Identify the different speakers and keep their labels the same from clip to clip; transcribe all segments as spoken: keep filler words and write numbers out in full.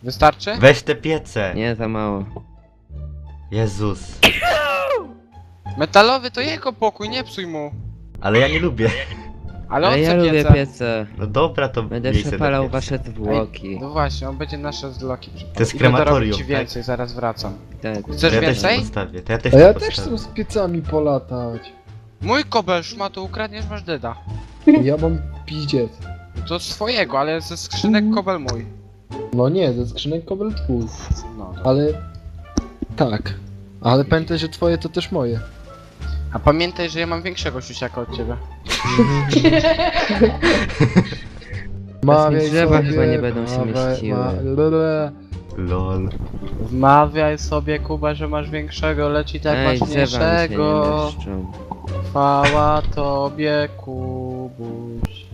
Speaker 1: Wystarczy?
Speaker 2: Weź te piece.
Speaker 3: Nie, za mało.
Speaker 2: Jezus.
Speaker 1: Metalowy to jego pokój, nie psuj mu.
Speaker 2: Ale ja nie lubię.
Speaker 1: Ale
Speaker 3: Ale
Speaker 1: on
Speaker 3: ja
Speaker 1: chce
Speaker 3: lubię
Speaker 1: piece.
Speaker 3: piece.
Speaker 2: No dobra, to
Speaker 3: Będę
Speaker 2: miejsce
Speaker 3: przepalał
Speaker 2: do pieca.
Speaker 3: wasze zwłoki.
Speaker 1: No właśnie, on będzie nasze zloki przypalał.
Speaker 2: To jest
Speaker 1: Idę dorobić
Speaker 2: krematorium,
Speaker 1: ci
Speaker 2: tak?
Speaker 1: więcej, zaraz wracam.
Speaker 3: Tak.
Speaker 1: Chcesz
Speaker 2: To ja też
Speaker 1: więcej?
Speaker 2: to postawię, to ja też
Speaker 4: A ja
Speaker 2: to
Speaker 4: też
Speaker 2: postawię.
Speaker 4: chcę z piecami polatać.
Speaker 1: Mój kobel szmato ukradniesz, masz deda.
Speaker 4: Ja mam piździec.
Speaker 1: To swojego, ale ze skrzynek kobel mój.
Speaker 4: No nie, ze skrzynek kobel twój.
Speaker 1: No dobra.
Speaker 4: Ale... Tak. Ale pamiętaj, że twoje to też moje.
Speaker 1: A pamiętaj, że ja mam większego siusiaka od ciebie.
Speaker 4: Mawiaj
Speaker 3: drzewa
Speaker 4: sobie,
Speaker 3: chyba nie będą się
Speaker 4: mawiaj-
Speaker 3: mieściły.
Speaker 4: ma- lele.
Speaker 2: Lol.
Speaker 1: Wmawiaj sobie, Kuba, że masz większego, lecz i tak
Speaker 3: Ej,
Speaker 1: masz
Speaker 3: drzewa mi się nie
Speaker 1: mniejszego.
Speaker 3: mieszczą.
Speaker 1: Chwała tobie, Kubuś.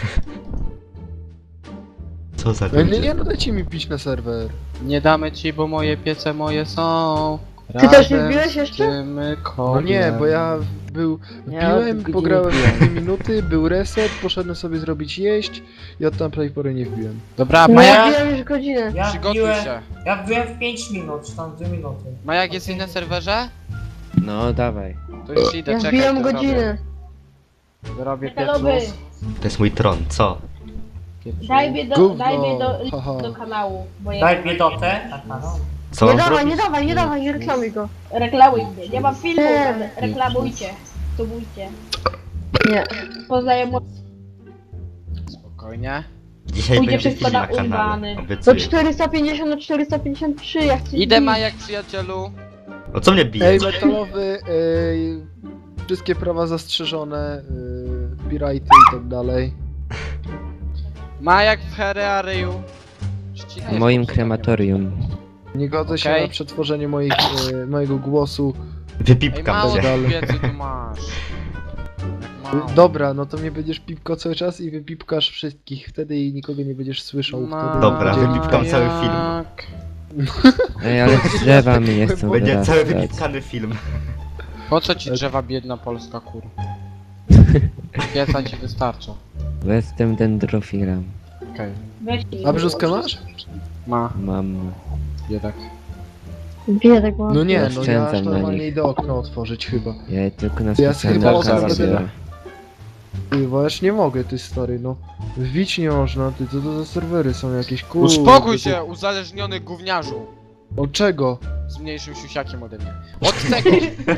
Speaker 2: Co za
Speaker 4: No nie,
Speaker 2: ludzie?
Speaker 4: nie, no dajcie mi pić na serwer.
Speaker 1: Nie damy ci, bo moje piece moje są.
Speaker 5: Ty też nie
Speaker 1: razem
Speaker 5: wbiłeś
Speaker 1: z
Speaker 5: jeszcze?
Speaker 1: tym
Speaker 4: No nie,
Speaker 1: koblem.
Speaker 4: bo ja był...
Speaker 3: Ja
Speaker 4: Wbiłem,
Speaker 3: od godziny
Speaker 4: pograłem
Speaker 3: wbiłem.
Speaker 4: dwie minuty, był reset, poszedłem sobie zrobić jeść i od tamtej pory nie wbiłem.
Speaker 1: Dobra,
Speaker 5: No ja
Speaker 1: Majak,
Speaker 5: wbiłem już godzinę.
Speaker 6: Ja
Speaker 1: przygotuj
Speaker 6: wbiłem,
Speaker 1: się.
Speaker 6: ja wbiłem w pięć minut, czy tam dwie minuty.
Speaker 1: Majak jest na serwerze?
Speaker 3: No, dawaj.
Speaker 1: To już idę,
Speaker 5: Ja
Speaker 1: czekaj,
Speaker 5: wbiłem
Speaker 1: to
Speaker 5: godzinę.
Speaker 1: Robię, zrobię
Speaker 7: Metalowy,
Speaker 1: piecus.
Speaker 2: To jest mój tron, co?
Speaker 1: piecus.
Speaker 7: daj mnie do,
Speaker 4: Gówno,
Speaker 7: daj mnie do,
Speaker 4: haha.
Speaker 7: do kanału, bo ja
Speaker 6: Daj biedotę na kanał.
Speaker 2: Co
Speaker 5: Nie
Speaker 2: mam
Speaker 5: dawaj,
Speaker 2: zrobić?
Speaker 5: nie dawaj, nie dawaj, nie reklamuj go.
Speaker 7: reklamuj mnie, nie mam filmu,
Speaker 5: Nie.
Speaker 7: ale reklamujcie, subujcie.
Speaker 5: Nie.
Speaker 7: Poznaję
Speaker 1: Spokojnie.
Speaker 2: Dzisiaj
Speaker 7: Pójdzie
Speaker 2: będzie
Speaker 7: wszystko
Speaker 2: film
Speaker 7: na
Speaker 2: na kanale,
Speaker 7: urwany.
Speaker 5: To
Speaker 2: obiecuję.
Speaker 5: czterysta pięćdziesiąt na czterysta pięćdziesiąt trzy, ja chcę
Speaker 1: Idę,
Speaker 5: bić.
Speaker 1: Majak, przyjacielu.
Speaker 2: O co mnie bije?
Speaker 4: Ej, metalowy, ej, wszystkie prawa zastrzeżone, yy, copyrighty i tak dalej.
Speaker 1: Majak w herearyju.
Speaker 3: W moim krematorium.
Speaker 4: Nie godzę się
Speaker 1: Okej.
Speaker 4: na przetworzenie moich, yy, mojego głosu.
Speaker 1: Ej,
Speaker 2: Wypipkam
Speaker 1: mało
Speaker 2: cię.
Speaker 4: dalej.
Speaker 1: tych piecy tu masz. Jak mało.
Speaker 4: Dobra, no to mnie będziesz pipko cały czas i wypipkasz wszystkich wtedy i nikogo nie będziesz słyszał wtedy.
Speaker 2: Dobra,
Speaker 4: będzie
Speaker 2: wypipkam
Speaker 4: lipa.
Speaker 2: cały film.
Speaker 1: Majak.
Speaker 3: Ej, ale drzewa mi nie chcą
Speaker 2: Będzie cały
Speaker 3: wyrastać.
Speaker 2: wypipkany film.
Speaker 1: Po co ci drzewa biedna Polska, kur? Pieca ci wystarcza.
Speaker 3: Bo jestem dendrofilem.
Speaker 1: Okej,
Speaker 7: Weź
Speaker 4: A brzuskę masz?
Speaker 1: ma,
Speaker 3: Mam.
Speaker 1: biedak.
Speaker 5: Biedek mam.
Speaker 4: No nie, no ja
Speaker 3: Oszczędzam
Speaker 4: aż
Speaker 3: na
Speaker 4: normalnie
Speaker 3: nich.
Speaker 4: idę okno otworzyć chyba.
Speaker 3: Ja tylko na
Speaker 4: To ja
Speaker 3: specjalne
Speaker 4: chyba
Speaker 3: okazje
Speaker 1: zaraz
Speaker 3: biorę.
Speaker 4: Ty, bo ja już nie mogę, ty stary, no. Wbić nie można, ty, co to za serwery są jakieś, kurde.
Speaker 1: Uspokój
Speaker 4: ty-
Speaker 1: się, uzależniony gówniarzu.
Speaker 4: Od czego?
Speaker 1: Z mniejszym siusiakiem ode mnie. Od tego!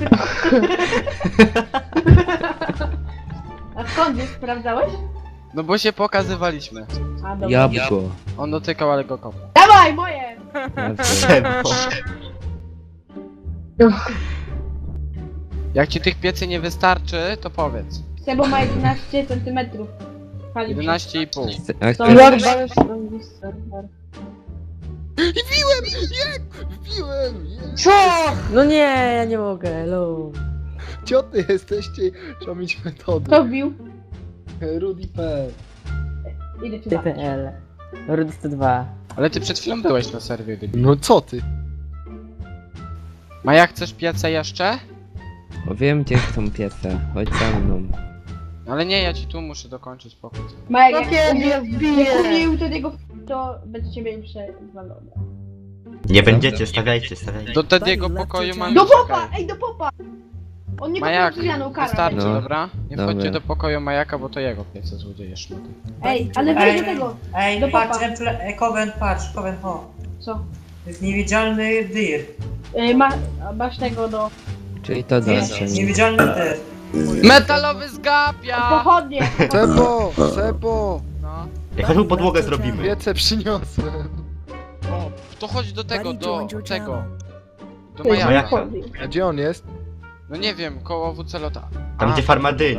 Speaker 7: A skąd wiesz, sprawdzałeś?
Speaker 1: No bo się pokazywaliśmy.
Speaker 7: A dobra.
Speaker 3: Jabłko.
Speaker 1: On dotykał, ale go kopał.
Speaker 7: Dawaj, moje!
Speaker 3: Jabłko.
Speaker 1: Jak ci tych piecy nie wystarczy, to powiedz.
Speaker 7: Sebo ma jedenaście centymetrów.
Speaker 1: jedenaście i pół.
Speaker 3: A
Speaker 7: To-
Speaker 3: chcesz-
Speaker 5: Lord Balance robi serwer.
Speaker 4: Wbiłem! Nie! Wbiłem! Nie!
Speaker 5: Co? No nie, ja nie mogę, lol.
Speaker 4: Cioty jesteście, trzeba mieć metody.
Speaker 7: Kto wbił?
Speaker 4: Rudy P.
Speaker 7: Idę cię zabić.
Speaker 5: T P L. Rudy sto dwa.
Speaker 1: Ale ty przed chwilą byłeś na serwie, debil.
Speaker 4: No co ty?
Speaker 1: Maja, chcesz piece jeszcze?
Speaker 3: Bo wiem gdzie są piece. Chodź za mną.
Speaker 1: Ale nie, ja ci tu muszę dokończyć pokój.
Speaker 7: Majek,
Speaker 5: No
Speaker 7: jak
Speaker 5: kiedy
Speaker 7: umie-
Speaker 5: ja
Speaker 7: jak
Speaker 5: wbiję?
Speaker 7: umił to jego to będzie ciebie przewalone.
Speaker 2: Nie będziecie, stawiajcie, stawiajcie.
Speaker 1: Do Tediego pokoju mam...
Speaker 7: Do popa! Ej, do popa! On nie
Speaker 1: Majak,
Speaker 7: kupił Julianą karę.
Speaker 1: wystarczy,
Speaker 3: No.
Speaker 1: dobra? Nie
Speaker 3: Dobra.
Speaker 1: wchodźcie do pokoju Majaka, bo to jego piece złodzieje szmaty.
Speaker 7: Ej, ale wejdź do tego!
Speaker 6: Ej,
Speaker 7: Do
Speaker 6: patrz,
Speaker 7: popa.
Speaker 6: emple- e, Coven, patrz, Coven, ho.
Speaker 7: Co?
Speaker 6: To jest niewidzialny dir.
Speaker 7: Ej, ma, masz tego do...
Speaker 3: Czyli to
Speaker 6: Jest
Speaker 3: dobrze.
Speaker 6: niewidzialny dir.
Speaker 1: Metalowy zgapia!
Speaker 7: Pochodnie!
Speaker 4: Sebo! Sebo!
Speaker 1: No.
Speaker 2: Jaką podłogę zrobimy?
Speaker 4: Wiece przyniosłem.
Speaker 1: O, to chodź do tego, do tego. Do
Speaker 7: Ej,
Speaker 1: Majaka.
Speaker 2: Majaka.
Speaker 7: pochodnie.
Speaker 4: A gdzie on jest?
Speaker 1: No nie wiem, koło Wucelota.
Speaker 2: Tam
Speaker 1: A,
Speaker 2: gdzie farmadyni.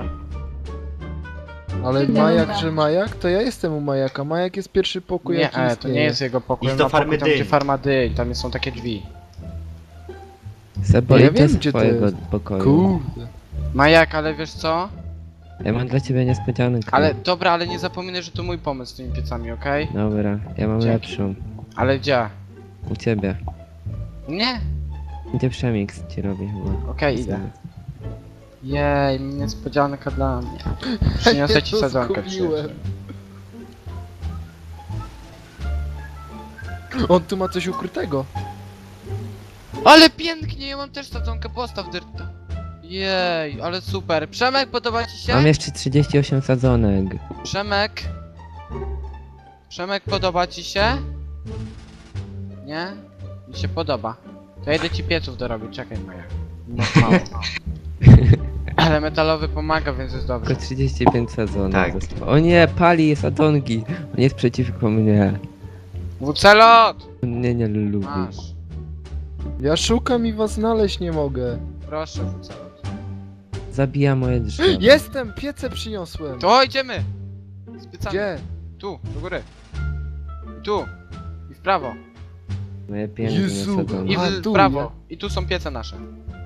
Speaker 4: Ale
Speaker 7: Nie
Speaker 4: Majak,
Speaker 7: wiem.
Speaker 4: że Majak? To ja jestem u Majaka. Majak jest pierwszy pokój,
Speaker 1: Nie,
Speaker 4: jaki
Speaker 1: e, to
Speaker 4: istnieje.
Speaker 1: nie jest jego pokój.
Speaker 2: Idź
Speaker 1: on
Speaker 2: do
Speaker 1: ma pokój
Speaker 2: farmy
Speaker 1: tam, gdzie
Speaker 2: dyń.
Speaker 1: farma dyń, tam są takie drzwi.
Speaker 3: Sebo,
Speaker 4: Ja
Speaker 3: idź
Speaker 4: wiem,
Speaker 3: do
Speaker 4: gdzie to
Speaker 3: swojego
Speaker 4: jest.
Speaker 3: pokoju.
Speaker 4: Kurde.
Speaker 1: Majak, ale wiesz co?
Speaker 3: Ja mam dla ciebie niespodziankę.
Speaker 1: Ale dobra, ale nie zapominaj, że to mój pomysł z tymi piecami, okej?
Speaker 3: Dobra, ja mam
Speaker 1: Dzięki.
Speaker 3: lepszą.
Speaker 1: Ale gdzie?
Speaker 3: U ciebie.
Speaker 1: Nie?
Speaker 3: Gdzie przemix ci robi chyba.
Speaker 1: Okej, idę. Jej, niespodzianka dla mnie. Przyniosę ci
Speaker 4: Ja to
Speaker 1: sadzonkę,
Speaker 4: zgubiłem.
Speaker 1: przyjacielu.
Speaker 4: On tu ma coś ukrytego.
Speaker 1: Ale pięknie, ja mam też sadzonkę, postaw dyrta. Jej, ale super. Przemek, podoba ci się?
Speaker 3: Mam jeszcze trzydzieści osiem sadzonek.
Speaker 1: Przemek? Przemek, podoba ci się? Nie? Mi się podoba. To ja idę ci pieców dorobić, czekaj Maja. No, mało. Ale metalowy pomaga, więc jest dobrze.
Speaker 3: Tylko trzydzieści pięć sadzonek
Speaker 2: Tak.
Speaker 3: zostało. O nie, pali sadzonki. On jest przeciwko mnie.
Speaker 1: Wucelot!
Speaker 3: On mnie nie lubi.
Speaker 1: Masz.
Speaker 4: Ja szukam i was znaleźć nie mogę.
Speaker 1: Proszę, Wucelot.
Speaker 3: Zabija moje drzewo.
Speaker 4: Jestem! Piece przyniosłem!
Speaker 1: To idziemy! Spycamy.
Speaker 4: Gdzie?
Speaker 1: Tu, do góry. I tu. I w prawo.
Speaker 3: Moje piękne
Speaker 4: Jezu.
Speaker 3: sadzonki.
Speaker 1: I
Speaker 4: A,
Speaker 1: w
Speaker 4: tu,
Speaker 1: prawo. I tu są piece nasze.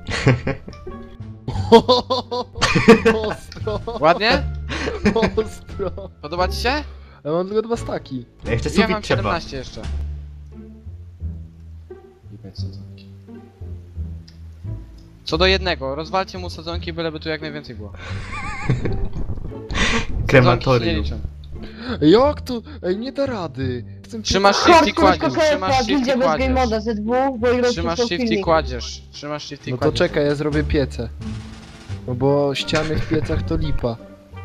Speaker 4: Ostro!
Speaker 1: Ładnie?
Speaker 4: Ostro!
Speaker 1: Podoba ci się?
Speaker 4: Ja mam tylko dwa staki.
Speaker 2: Ja jeszcze
Speaker 1: Ja
Speaker 2: sufit
Speaker 1: mam
Speaker 2: trzeba.
Speaker 1: siedemnaście jeszcze. I pięć sadzonki. Co do jednego, rozwalcie mu sadzonki, byleby tu jak najwięcej było. Sadzonki się nie
Speaker 2: Krematorium.
Speaker 1: liczą.
Speaker 4: Jak to? Ej, nie da rady. Chcę
Speaker 1: Trzymasz shift i
Speaker 5: Hardcore
Speaker 1: kładziesz,
Speaker 5: K K F,
Speaker 1: trzymasz shift
Speaker 5: gildia
Speaker 1: i
Speaker 5: bez game
Speaker 1: kładziesz.
Speaker 5: moda ze dwóch, bo ile
Speaker 1: Trzymasz shift i kładziesz. Trzymasz shift i
Speaker 4: No to
Speaker 1: kładziesz.
Speaker 4: czekaj, ja zrobię piece. No bo ściany w piecach to lipa.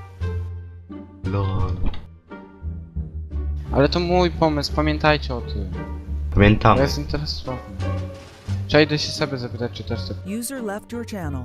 Speaker 2: Lol.
Speaker 1: Ale to mój pomysł, pamiętajcie o tym.
Speaker 2: Pamiętam.
Speaker 1: To jest interesowny. Przejdę się sobie zapytać, czy też sobie.
Speaker 8: User left your channel.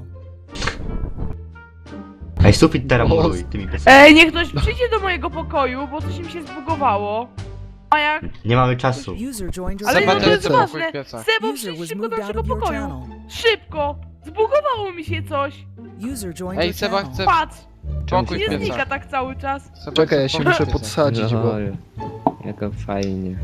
Speaker 2: Ej, sufit teraz muruj tymi piecami.
Speaker 7: Ej, niech ktoś przyjdzie do mojego pokoju, bo coś mi się zbugowało. A jak?
Speaker 2: Nie mamy czasu.
Speaker 8: User joined your
Speaker 7: Ale
Speaker 1: Seba
Speaker 7: no to
Speaker 1: też
Speaker 7: jest
Speaker 1: chce pokój
Speaker 7: ważne.
Speaker 1: w piecach.
Speaker 7: Sebo,
Speaker 8: User
Speaker 7: przyjdź
Speaker 8: was
Speaker 7: szybko do
Speaker 8: moved out
Speaker 7: naszego
Speaker 8: of your
Speaker 7: pokoju.
Speaker 8: channel.
Speaker 7: Szybko! Zbugowało mi się coś.
Speaker 8: User joined
Speaker 1: Ej,
Speaker 8: your
Speaker 1: Seba
Speaker 8: channel.
Speaker 1: chce
Speaker 7: Patrz,
Speaker 1: pokój
Speaker 7: nie
Speaker 1: w
Speaker 7: znika
Speaker 1: piecach.
Speaker 7: tak cały czas.
Speaker 1: Seba
Speaker 4: Czekaj,
Speaker 1: chce
Speaker 4: ja się
Speaker 1: pokój w
Speaker 4: muszę
Speaker 1: piecach.
Speaker 4: podsadzić, bo...
Speaker 3: Lol. Jako fajnie.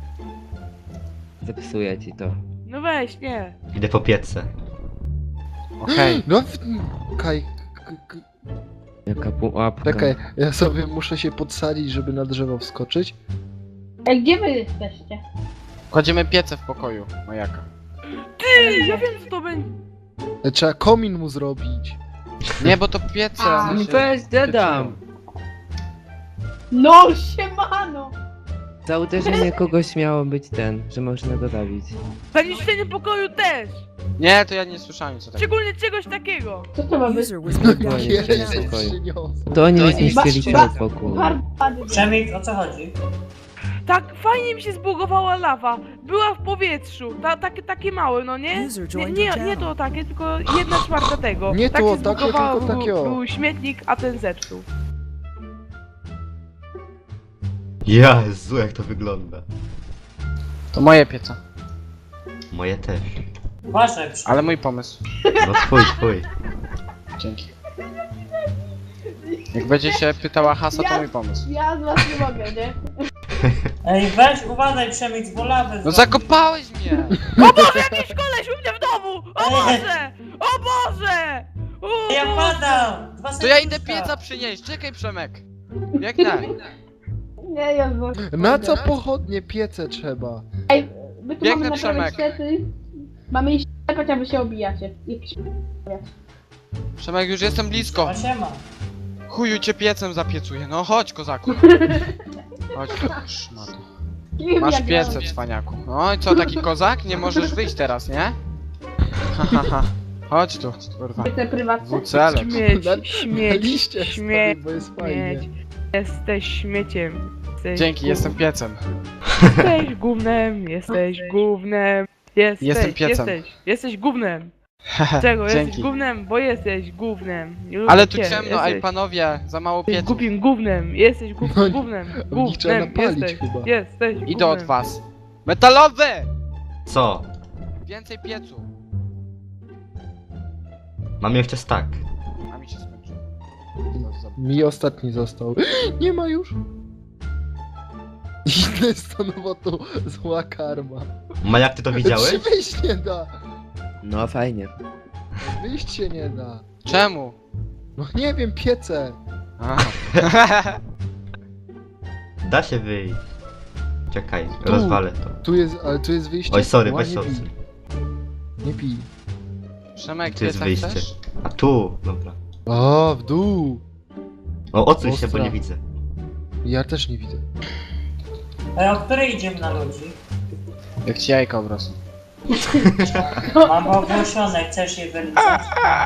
Speaker 3: Zepsuję ci to.
Speaker 7: No weź, nie.
Speaker 2: Idę po piece.
Speaker 1: Okej.
Speaker 4: No, w... Kaj... k- k-
Speaker 3: Jaka pułapka.
Speaker 4: Czekaj, ja sobie muszę się podsadzić, żeby na drzewo wskoczyć.
Speaker 7: Ej, gdzie wy jesteście?
Speaker 1: Kładziemy piece w pokoju, Majaka.
Speaker 7: Ty, ja wiem co to będzie.
Speaker 4: E, Trzeba komin mu zrobić.
Speaker 1: Nie, bo to piece, one
Speaker 3: Mi
Speaker 1: się
Speaker 3: weź, dedam.
Speaker 7: No, siemano!
Speaker 3: Za uderzenie kogoś miało być ten, że można go zabić.
Speaker 7: Zaniszczenie pokoju też!
Speaker 1: Nie, to ja nie słyszałem co takiego.
Speaker 7: Szczególnie czegoś takiego. Co to ma
Speaker 8: User was moved out of your
Speaker 4: Piece
Speaker 8: channel.
Speaker 3: pokoju.
Speaker 4: przyniosłem.
Speaker 3: To oni mi zniszczyli
Speaker 7: Baczcie.
Speaker 3: cały pokój.
Speaker 6: Przemyk, o co chodzi?
Speaker 7: Tak, fajnie mi się zbugowała lawa. Była w powietrzu. Ta, takie, takie małe, no nie?
Speaker 8: User
Speaker 7: Nie,
Speaker 8: joined
Speaker 7: nie,
Speaker 8: your
Speaker 7: nie
Speaker 8: channel.
Speaker 7: to takie, tylko jedna czwarta tego.
Speaker 4: Nie
Speaker 7: tak
Speaker 4: to,
Speaker 7: się
Speaker 4: takie,
Speaker 7: zbugowało,
Speaker 4: tylko takie, o.
Speaker 7: był, był śmietnik, a ten zepsuł.
Speaker 2: Jezu, jak to wygląda.
Speaker 1: To moje piece.
Speaker 2: Moje też.
Speaker 6: Uważaj, Przemek.
Speaker 1: Ale mój pomysł.
Speaker 2: No twój, twój.
Speaker 1: Dzięki. Jak będzie się pytała Hasa, to mój pomysł.
Speaker 7: Ja z was nie mogę, nie?
Speaker 6: Ej, weź, uważaj, Przemyk, bo lawę
Speaker 1: No
Speaker 6: zrobisz.
Speaker 1: zakopałeś mnie!
Speaker 7: O Boże, jakiś koleś u mnie w domu! O Boże! O Boże! O
Speaker 6: Ja
Speaker 7: Boże!
Speaker 6: padam! Dwa
Speaker 1: To ja idę
Speaker 6: serduszka.
Speaker 1: pieca przynieść, czekaj Przemek. Biegnę.
Speaker 7: Nie, ja
Speaker 4: Na co pochodnie piece trzeba?
Speaker 7: My
Speaker 1: tu Biegnę, mamy naprawiać Przemek.
Speaker 7: Mamy iść chociaż wy się obijacie.
Speaker 1: Przemek, już jestem blisko.
Speaker 6: O, siema.
Speaker 1: Chuju cię piecem zapiecuję, no chodź kozaku. Chodź, szmato. Masz piece, cwaniaku. No i co, taki kozak? Nie możesz wyjść teraz, nie? Ha, ha, ha. Chodź tu, kurwa.
Speaker 7: Te prywatne.
Speaker 1: Wucelot.
Speaker 7: Śmieć,
Speaker 4: Na- Na
Speaker 7: śmieć,
Speaker 4: liście
Speaker 7: śmieć,
Speaker 4: stoi, bo jest fajnie.
Speaker 7: śmieć. Jesteś śmieciem. Jesteś
Speaker 1: Dzięki,
Speaker 7: gó-
Speaker 1: jestem piecem.
Speaker 7: Jesteś gównem, jesteś gównem. Jesteś,
Speaker 1: Jestem piecem.
Speaker 7: Jesteś, jesteś gównem. Czego?
Speaker 1: Dzięki.
Speaker 7: Jesteś gównem, bo jesteś gównem. Nie lubię
Speaker 1: Ale tu
Speaker 7: cię.
Speaker 1: ciemno,
Speaker 7: jesteś,
Speaker 1: ej panowie, za mało
Speaker 7: Jesteś
Speaker 1: pieców.
Speaker 7: głupim gównem, jesteś gó-
Speaker 4: No,
Speaker 7: gównem,
Speaker 4: w nich trzeba
Speaker 7: gównem,
Speaker 4: napalić
Speaker 7: jesteś,
Speaker 4: chyba.
Speaker 7: jesteś
Speaker 1: Idę od
Speaker 7: gównem.
Speaker 1: was. Metalowy!
Speaker 2: Co?
Speaker 1: Więcej piecu.
Speaker 2: Mam jeszcze stack.
Speaker 1: A mi się skończyło.
Speaker 4: Mi ostatni został. Nie ma już. Inne stanowa to zła karma.
Speaker 2: Ma jak ty to widziałeś?
Speaker 4: Czy wyjść nie da?
Speaker 3: No fajnie.
Speaker 4: Wyjść się nie da.
Speaker 1: Czemu?
Speaker 4: No nie wiem, piece.
Speaker 1: Aha.
Speaker 2: Da się wyjść. Czekaj, rozwalę to.
Speaker 4: Tu jest, ale tu jest wyjście.
Speaker 2: Oj, sorry,
Speaker 4: Ła,
Speaker 2: weź
Speaker 4: nie
Speaker 2: sorry.
Speaker 4: pij. Nie pij.
Speaker 1: Przemek,
Speaker 2: Tu jest
Speaker 1: pieca
Speaker 2: wyjście.
Speaker 1: chcesz?
Speaker 2: A tu, dobra.
Speaker 4: O, w dół.
Speaker 2: O, odsuń się, bo
Speaker 4: Ostra.
Speaker 2: nie widzę.
Speaker 4: Ja też nie widzę.
Speaker 6: Ej, o której idziemy na ludzi?
Speaker 1: Jak ci jajka obrosną.
Speaker 6: Mam ogłoszone, chcesz je wylizać?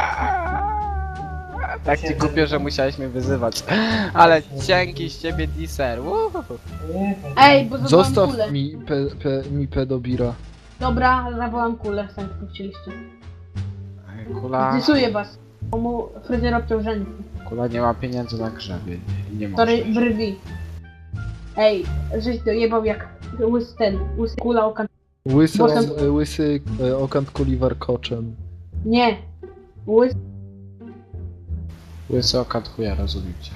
Speaker 1: Tak ci kupię, że musiałeś mnie wyzywać. Ale cienki z ciebie diser. Uhu.
Speaker 9: Ej, bo zawołam
Speaker 4: Zostaw
Speaker 9: kulę.
Speaker 4: mi, pe, pe, mi pedobira.
Speaker 9: Dobra, zawołam kulę, sam tylko chcieliście.
Speaker 1: Kula,
Speaker 9: Zdysuję was. Bo mu fryzjer obciął rzęsy.
Speaker 1: kula nie ma pieniędzy na grzebie. Nie, nie może.
Speaker 9: Sorry, brwi. Ej, żeś dojebał jak łysy ten, łysy kula okan...
Speaker 4: Łysy,
Speaker 9: Bo tam-
Speaker 4: łysy e, okant kuli warkoczem.
Speaker 9: Nie. Łysy...
Speaker 1: Łysy okat chuja, rozumiem cię.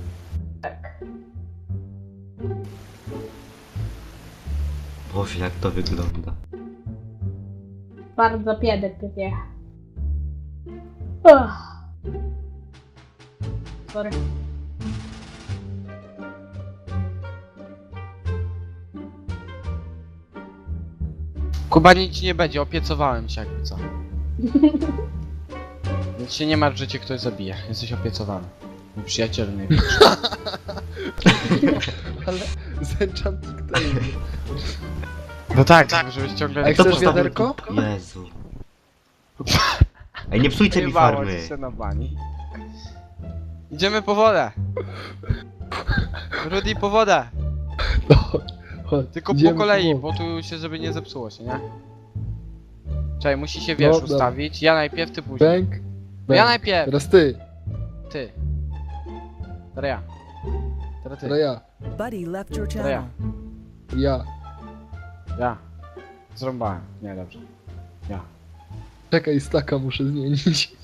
Speaker 2: Boże, jak to wygląda.
Speaker 9: Bardzo piedek takie. Uch. Sorry.
Speaker 1: Kuba, nic ci nie będzie, opiecowałem cię jakby co. Więc się nie martw, że cię ktoś zabije. Jesteś opiecowany. Mój przyjaciel najbliższy.
Speaker 4: Ale z Enchanting Tale.
Speaker 1: No tak, żebyś ciągle
Speaker 4: A
Speaker 1: nie
Speaker 4: chcesz
Speaker 2: postawił
Speaker 4: wiaderko?
Speaker 2: tu? Jezu. Ej, nie psujcie mi
Speaker 1: Wyjebało
Speaker 2: farmy.
Speaker 1: ci się na bani. Idziemy po wodę. Rudy, po wodę.
Speaker 4: No, chodź,
Speaker 1: Tylko
Speaker 4: idziemy
Speaker 1: po kolei,
Speaker 4: po-
Speaker 1: bo tu się, żeby nie zepsuło się, nie? Czekaj, musi się, wiesz,
Speaker 4: No, dobra.
Speaker 1: ustawić. Ja najpierw, ty później.
Speaker 4: Bęk.
Speaker 1: No
Speaker 4: bęk.
Speaker 1: ja najpierw,
Speaker 4: Teraz ty,
Speaker 1: ty. Teraz ja. Teraz ty.
Speaker 4: teraz ja.
Speaker 8: Buddy left your
Speaker 1: Teraz ja.
Speaker 8: channel.
Speaker 4: Ja.
Speaker 1: Ja. Zrąbałem. Nie, dobrze. Ja.
Speaker 4: Czekaj, staka muszę zmienić.